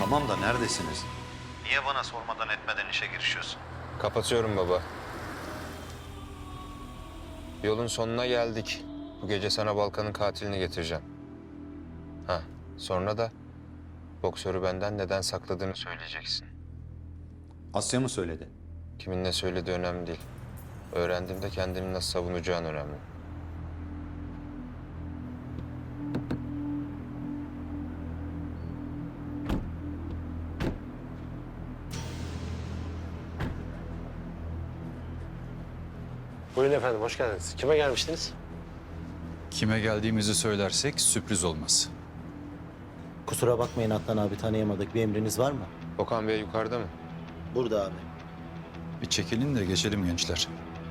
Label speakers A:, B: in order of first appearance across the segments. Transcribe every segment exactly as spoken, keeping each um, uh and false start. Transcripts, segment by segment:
A: Tamam da neredesiniz? Niye bana sormadan etmeden işe girişiyorsun?
B: Kapatıyorum baba. Yolun sonuna geldik. Bu gece sana Balkan'ın katilini getireceğim. Ha, sonra da boksörü benden neden sakladığını söyleyeceksin.
A: Asya mı söyledi?
B: Kimin ne söylediği önemli değil. Öğrendiğimde kendini nasıl savunacağın önemli.
C: Buyurun efendim, hoş geldiniz. Kime gelmiştiniz?
D: Kime geldiğimizi söylersek sürpriz olmaz.
E: Kusura bakmayın Adnan abi, tanıyamadık. Bir emriniz var mı?
B: Okan Bey yukarıda mı?
E: Burada abi.
D: Bir çekilin de geçelim gençler.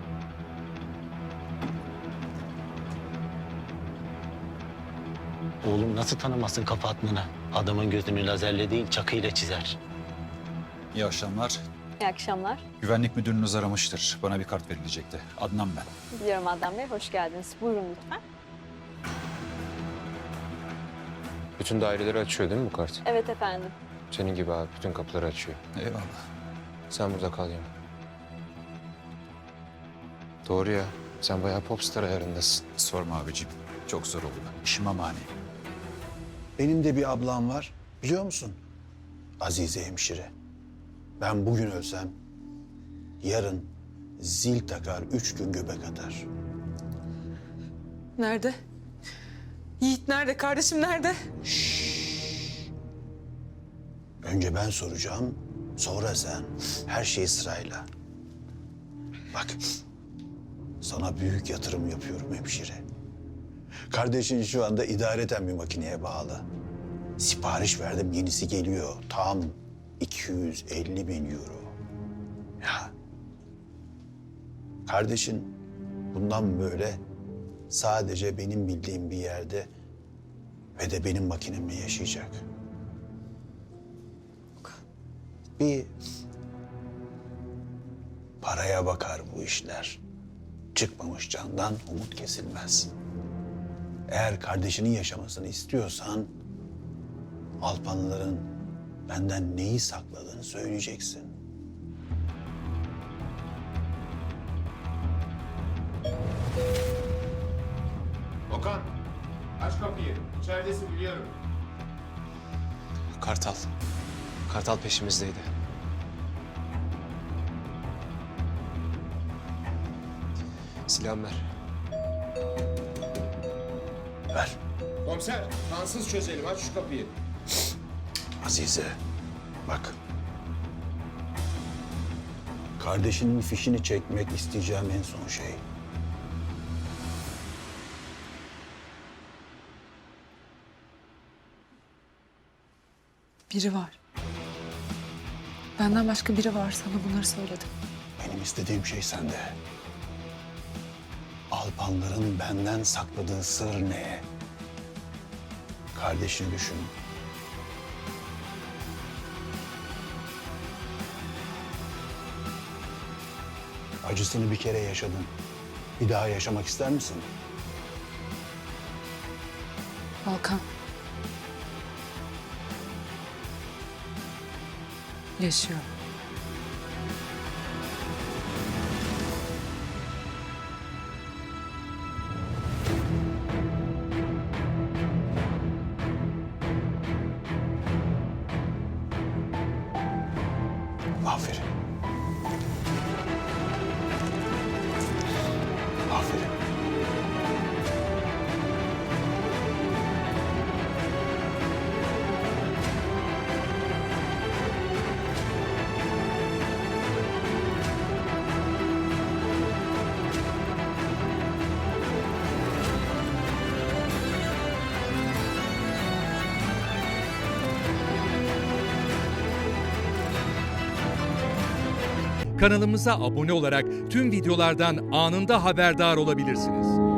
E: Oğlum nasıl tanımazsın Kafa Adnan'ı? Adamın gözünü lazerle değil çakıyla çizer.
D: İyi akşamlar.
F: İyi akşamlar.
D: Güvenlik müdürünüz aramıştır. Bana bir kart verilecekti. Adnan ben.
F: Biliyorum Adnan Bey, hoş geldiniz. Buyurun lütfen.
B: Bütün daireleri açıyor değil mi bu kart?
F: Evet efendim.
B: Senin gibi abi bütün kapıları açıyor.
D: Eyvallah.
B: Sen burada kal Yaman. Doğru ya. Sen bayağı popstar ayarındasın.
D: Sorma abicim. Çok zor oldu. İşime mani.
G: Benim de bir ablam var, biliyor musun? Azize hemşire. Ben bugün ölsem, yarın zil takar, üç gün göbek atar.
H: Nerede? Yiğit nerede? Kardeşim nerede?
G: Önce ben soracağım, sonra sen. Her şey sırayla. Bak, sana büyük yatırım yapıyorum hemşire. Kardeşin şu anda idareten bir makineye bağlı. Sipariş verdim, yenisi geliyor. Tam iki yüz elli bin euro. Ya. Kardeşin bundan böyle sadece benim bildiğim bir yerde ve de benim makinemle yaşayacak. Bir paraya bakar bu işler. Çıkmamış candan umut kesilmez. Eğer kardeşinin yaşamasını istiyorsan Alpanlıların benden neyi sakladığını söyleyeceksin.
B: Okan, aç kapıyı. İçeridesin biliyorum.
I: Kartal. Kartal peşimizdeydi. Silahımı ver.
G: Ver.
B: Komiser, kansız çözelim. Aç şu kapıyı.
G: Azize, bak. Kardeşinin fişini çekmek isteyeceğim en son şey.
H: Biri var. Benden başka biri var. Sana bunları söyledim.
G: Benim istediğim şey sende. Alpanların benden sakladığı sır ne? Kardeşini düşün. Acısını bir kere yaşadın. Bir daha yaşamak ister misin?
H: Volkan. Yaşıyor.
G: Aferin. Aferin.
J: Kanalımıza abone olarak tüm videolardan anında haberdar olabilirsiniz.